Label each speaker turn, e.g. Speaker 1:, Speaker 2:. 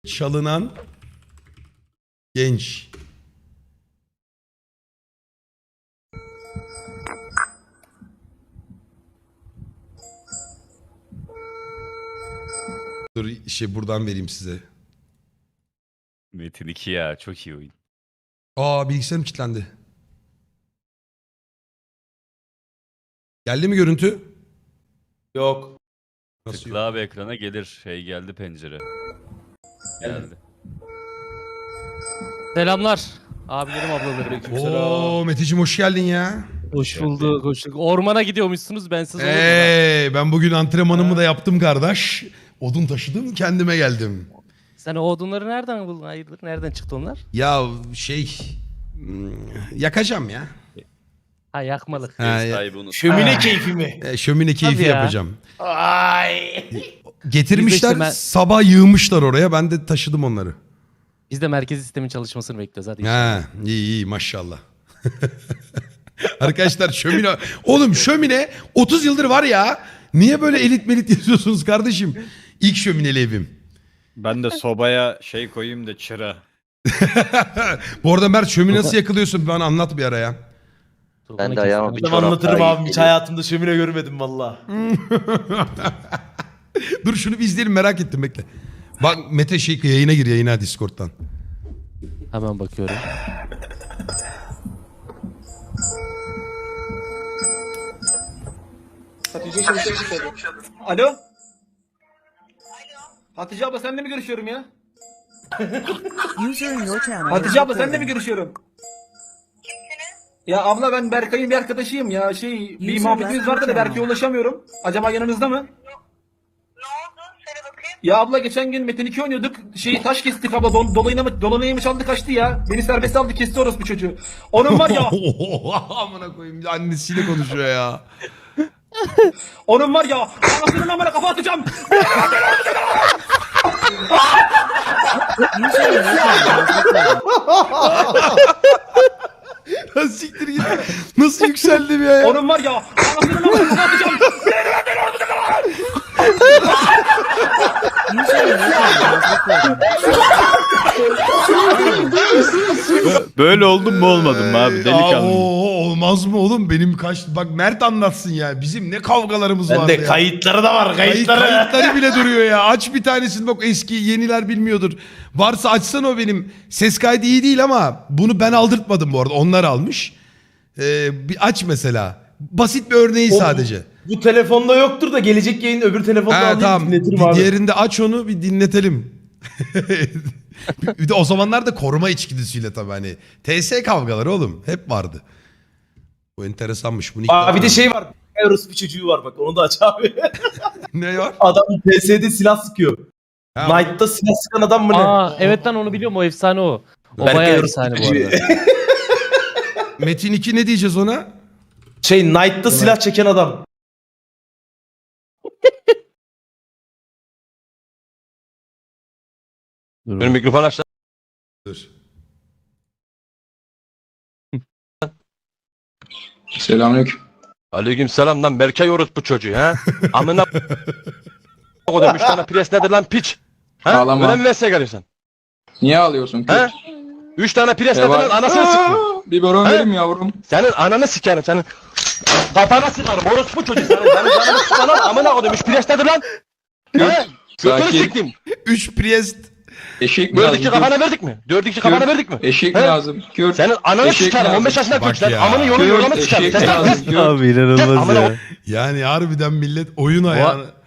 Speaker 1: Çalınan genç. Dur buradan vereyim size.
Speaker 2: Metin 2 ya çok iyi oyun.
Speaker 1: Aa, bilgisayarım kilitlendi. Geldi mi görüntü?
Speaker 3: Yok.
Speaker 1: Nasıl
Speaker 2: Tıkla
Speaker 1: yok?
Speaker 2: abi ekrana gelir. Şey geldi pencere. Geldi.
Speaker 4: Selamlar. Abilerim ablalarım.
Speaker 1: Oo Meteciğim hoş geldin ya.
Speaker 4: Hoş bulduk, hoş bulduk. Ormana gidiyormuşsunuz, bensiz olur mu lan?
Speaker 1: Ben bugün antrenmanımı da yaptım kardeş. Odun taşıdım, kendime geldim.
Speaker 4: Sen o odunları nereden buldun? Hayırdır? Nereden çıktı onlar?
Speaker 1: Ya yakacağım ya.
Speaker 4: Ha, yakmalık.
Speaker 1: Ha,
Speaker 2: Sahibi unut.
Speaker 3: Şömine keyfi mi?
Speaker 1: Şömine keyfi
Speaker 4: Hadi ya.
Speaker 1: yapacağım.
Speaker 3: Ay.
Speaker 1: Getirmişler,
Speaker 4: Biz de
Speaker 1: sabah yığmışlar oraya. Ben de taşıdım onları.
Speaker 4: Biz de merkez sistemin çalışmasını bekliyoruz. Hadi.
Speaker 1: Ha, iyi maşallah. Arkadaşlar şömine... Oğlum şömine 30 yıldır var ya. Niye böyle elit melit yazıyorsunuz kardeşim? İlk şömineli evim.
Speaker 5: Ben de sobaya şey koyayım da çıra.
Speaker 1: Bu arada Mert şömine nasıl yakılıyorsun? Bana anlat bir ara ya.
Speaker 6: Ben de ayağıma bir
Speaker 3: Ben
Speaker 6: çorap
Speaker 3: anlatırım
Speaker 6: daha
Speaker 3: abi. Hiç hayatımda şömine görmedim valla.
Speaker 1: Dur şunu bir izleyelim, merak ettim, bekle. Bak Mete yayına gir, yayına Discord'dan.
Speaker 4: Hemen bakıyorum.
Speaker 3: Alo? Hatice abla seninle mi görüşüyorum ya?
Speaker 7: User in your channel.
Speaker 3: Hatice abla seninle mi görüşüyorum? Ya abla ben Berkay'ın bir arkadaşıyım ya. Bir muhabbetimiz vardı da Berkay'a ulaşamıyorum. Acaba yanınızda mı?
Speaker 7: Ne oldu? Söyle bakayım.
Speaker 3: Ya abla geçen gün Metin 2 oynuyorduk. Taş kestik abla. Dolayını mı çaldı kaçtı ya. Beni serbest aldı, kesti orospu çocuğu. Onun var ya.
Speaker 1: Amına koyayım, annesiyle konuşuyor ya.
Speaker 3: Onun var ya. Anasının amına kafa atacağım.
Speaker 7: User in your channel.
Speaker 1: Siktir git. Nasıl yükseldim ya?
Speaker 3: Onun var ya. Anasının amına kafa atacağım.
Speaker 7: User in your channel.
Speaker 5: Böyle oldum mu olmadım mı abi delikanlı.
Speaker 1: Olmaz mı oğlum? Benim bak Mert anlatsın ya. Bizim ne kavgalarımız vardı
Speaker 3: Bende
Speaker 1: ya.
Speaker 3: kayıtları da var, kayıtları.
Speaker 1: Kayıtları bile duruyor ya. Aç bir tanesini, bak eski yeniler bilmiyordur. Varsa açsana, o benim. Ses kaydı iyi değil ama bunu ben aldırtmadım bu arada. Onlar almış. Bir aç mesela. Basit bir örneği sadece.
Speaker 3: Bu telefonda yoktur da gelecek yayın öbür telefonda alayım,
Speaker 1: Tamam.
Speaker 3: dinletirim abi.
Speaker 1: Diğerinde aç onu bir dinletelim. Bir de o zamanlar da koruma içgüdüsüyle tabii hani. TS kavgaları oğlum. Hep vardı. Bu enteresanmış. Bunu ilk
Speaker 3: Aa, bir
Speaker 1: defa-
Speaker 3: de şey var. Eros bir çocuğu var bak, onu da aç abi.
Speaker 1: Ne var?
Speaker 3: Adam PS'de silah sıkıyor.
Speaker 1: Ha,
Speaker 3: Knight'ta silah sıkan adam mı ne?
Speaker 4: Aa, evet lan, onu biliyorum, o efsane o. O
Speaker 3: Berkay
Speaker 4: bayağı
Speaker 3: Arus
Speaker 4: efsane bu
Speaker 3: çocuğu.
Speaker 4: arada.
Speaker 1: Metin 2 ne diyeceğiz ona?
Speaker 3: Knight'ta silah çeken adam.
Speaker 6: Benim mikrofon açtı.
Speaker 1: Dur.
Speaker 8: Selamünaleyküm.
Speaker 6: Aleyküm selam lan Berkay orospu çocuğu ha. Amına kodum 3 tane pres nedir lan piç? Ha?
Speaker 8: Ağlama.
Speaker 6: Öyle mi mesleğe geliyorsun?
Speaker 8: Niye ağlıyorsun?
Speaker 6: Ha? 3 tane pres nedir lan anasını sıkıyor.
Speaker 8: Bir baron
Speaker 6: He?
Speaker 8: verim yavrum.
Speaker 6: Senin ananı sikerim senin. Kafana sıkarım orospu çocuğu senin. Senin canını sıkan lan amına kodum 3 pres nedir lan? Ha? Götünü
Speaker 8: Sakin.
Speaker 6: siktim.
Speaker 1: 3 Priest.
Speaker 8: Eşek mi
Speaker 6: Böyle
Speaker 8: lazım?
Speaker 6: iki kafana verdik mi? 4-2 kafana verdik mi?
Speaker 8: Eşek
Speaker 6: He?
Speaker 8: mi lazım? Kür.
Speaker 6: Senin ananı
Speaker 8: Eşek
Speaker 6: sikerim
Speaker 8: lazım.
Speaker 6: 15 yaşında
Speaker 1: Bak
Speaker 6: çocuk sen.
Speaker 1: ya.
Speaker 6: Amını yolu
Speaker 8: Kür,
Speaker 6: yolama sikerim.
Speaker 8: eşek
Speaker 6: Sen
Speaker 8: lazım. Kür.
Speaker 2: Abi
Speaker 6: Gel
Speaker 2: inanılmaz
Speaker 6: amına
Speaker 2: ya.
Speaker 1: Yani harbiden millet oyun ayağını.